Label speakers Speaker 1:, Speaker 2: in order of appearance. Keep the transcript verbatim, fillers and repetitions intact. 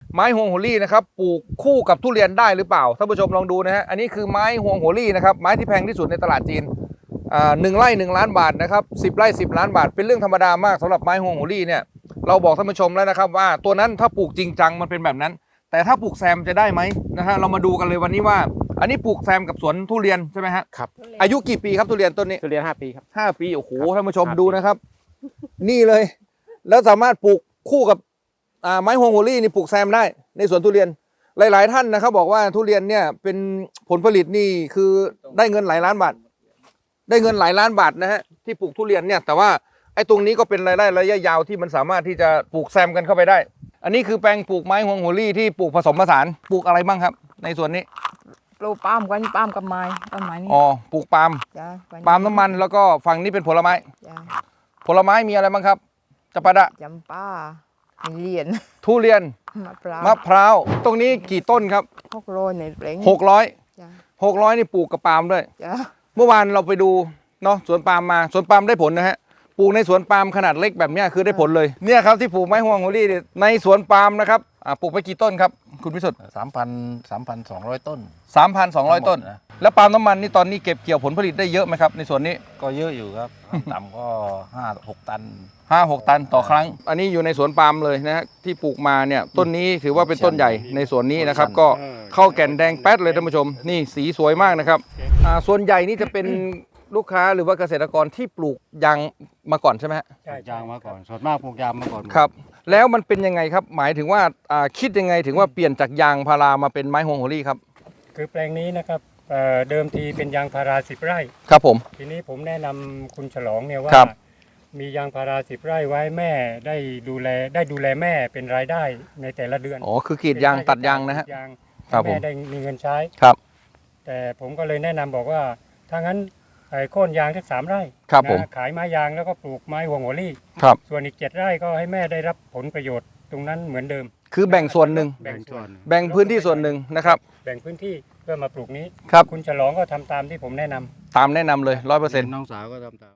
Speaker 1: ไม้ฮวงโหรี่นะครับปลูกคู่กับทุเรียนได้หรือเปล่าท่านผู้ชมลองดูนะฮะอันนี้คือไม้ฮวงโหรี่นะครับไม้ที่แพงที่สุดในตลาดจีนอ่าหนึ่งไร่หนึ่งล้านบาทนะครับสิบไร่สิบล้านบาทเป็นเรื่องธรรมดามากสำหรับไม้ฮวงโหรี่เนี่ยเราบอกท่านผู้ชมแล้วนะครับว่าตัวนั้นถ้าปลูกจริงจังมันเป็นแบบนั้นแต่ถ้าปลูกแซมจะได้ไหมนะฮะเรามาดูกันเลยวันนี้ว่าอันนี้ปลูกแซมกับสวนทุเรียนใช่ไหมฮะ
Speaker 2: ครับ
Speaker 1: อายุกี่ปีครับทุเรียนต้นนี้
Speaker 2: ทุเรียนห้าปีครับ
Speaker 1: ห้าปีโอ้โห
Speaker 2: ครับ
Speaker 1: ท่านผู้ชม
Speaker 2: ห้าปี
Speaker 1: ดูนะครับ นี่เลย แล้วสามารถปลูกคู่กับอ่าไม้ฮวงโหรี่นี่ปลูกแซมได้ในสวนทุเรียนหลาย ๆ ท่านนะครับบอกว่าทุเรียนเนี่ยเป็นผลผลิตนี่คือได้เงินหลายล้านบาทได้เงินหลายล้านบาทนะฮะที่ปลูกทุเรียนเนี่ยแต่ว่าไอ้ตรงนี้ก็เป็นรายได้ระยะยาวที่มันสามารถที่จะปลูกแซมกันเข้าไปได้ อันนี้คือแปลงปลูกไม้ฮวงโหรี่ที่ปลูกผสมผสานปลูกอะไรบ้างครับ ในสวนนี้
Speaker 3: ปลูกปาล์มกันปาล์มกับไม้ต้นไม้นี่
Speaker 1: อ๋อปลูกปาล์ม
Speaker 3: จ้ะ
Speaker 1: ปาล์มน้ำมันแล้วก็ฝั่งนี้เป็นผลไม้
Speaker 3: จ้ะ
Speaker 1: ผลไม้มีอะไรบ้างครับจะปาดะ
Speaker 3: จำป้ามีเหรียญ
Speaker 1: ทุเรียน
Speaker 3: มะพร้าว
Speaker 1: มะพร้าวตรงนี้กี่ต้นครับ
Speaker 3: หกโรยในเปลง
Speaker 1: หกร้อย
Speaker 3: จ้ะ
Speaker 1: หกร้อยนี่ปลูกกับปาล์มด้วย
Speaker 3: จ้ะ
Speaker 1: เมื่อวานเราไปดูเนาะสวนปาล์มมาสวนปาล์มได้ผลนะฮะปลูกในสวนปาล์มขนาดเล็กแบบเนี้ยคือได้ผลเลยเนี่ยครับที่ปลูกไม้ฮวงโหรี่เนี่ยในสวนปาล์มนะครับอ่าปลูกไปกี่ต้นครับคุณพิสุทธิ์
Speaker 4: สามพันสามพันสองร้อยต้น
Speaker 1: สามพันสองร้อยต้น
Speaker 4: ทั้งหมดนะ
Speaker 1: แล้วปาล์มน้ำมันนี่ตอนนี้เก็บเกี่ยวผลผลิตได้เยอะไหมครับในสวนนี้
Speaker 4: ก็เยอะอยู่ครับ ต่ำก็ห้าหกตัน
Speaker 1: ห้าหกตันต่อครั้ง อันนี้อยู่ในสวนปาล์มเลยนะฮะที่ปลูกมาเนี่ยต้นนี้ถือว่าเป็นต้นใหญ่ในสวนนี้นะครับก็เข้าแก่นแดงแป๊ดเลยท่านผู้ชมนี่สีสวยมากนะครับอ่าส่วนใหญ่นี่จะเป็นลูกค้าหรือว่าเกษตรกรที่ปลูกยางมาก่อนใช่ไหมฮะ
Speaker 5: ใช่ยางมาก่อนส่วนมากปลูกยางมาก่อน
Speaker 1: ครับแล้วมันเป็นยังไงครับหมายถึงว่าอ่าคิดยังไงถึงว่าเปลี่ยนจากยางพารามาเป็นไม้ฮวงโหรี่ครับ
Speaker 5: คือแปลงนี้นะครับเอ่อเดิมทีเป็นยางพาราสิบไร่
Speaker 1: ครับผม
Speaker 5: ทีนี้ผมแนะนำคุณฉลองเนี่ยว่า
Speaker 1: ครับ
Speaker 5: มียางพาราสิบไร่ไว้แม่ได้ดูแลได้ดูแลแม่เป็นรายได้ในแต่ละเดือน
Speaker 1: อ๋อคือกรีดยางตัดยางนะฮะ
Speaker 5: กรีดยาง
Speaker 1: ครับผม
Speaker 5: แม่ได้มีเงินใช้
Speaker 1: ครับ
Speaker 5: แต่ผมก็เลยแนะนำบอกว่าถ้างั้นไอ้โค่นยางสักสามไร่
Speaker 1: ครับผม
Speaker 5: นะขายไม้ยางแล้วก็ปลูกไม้ฮวงโหรี่
Speaker 1: ครับ
Speaker 5: ส่วนอีกเจ็ดไร่ก็ให้แม่ได้รับผลประโยชน์ตรงนั้นเหมือนเดิม
Speaker 1: คือแบ่งส่วนหนึ่ง
Speaker 5: แบ่งส่วน
Speaker 1: แบ่งพื้นที่ส่วนหนึ่งนะครับ
Speaker 5: แบ่งพื้นที่เพื่อมาปลูกนี้
Speaker 1: ครับ
Speaker 5: คุณฉลองก็ทำตามที่ผมแนะนำ
Speaker 1: ตามแนะนำเลยร้อยเปอร์เซ็นต์
Speaker 4: น้องสาวก็ทำตาม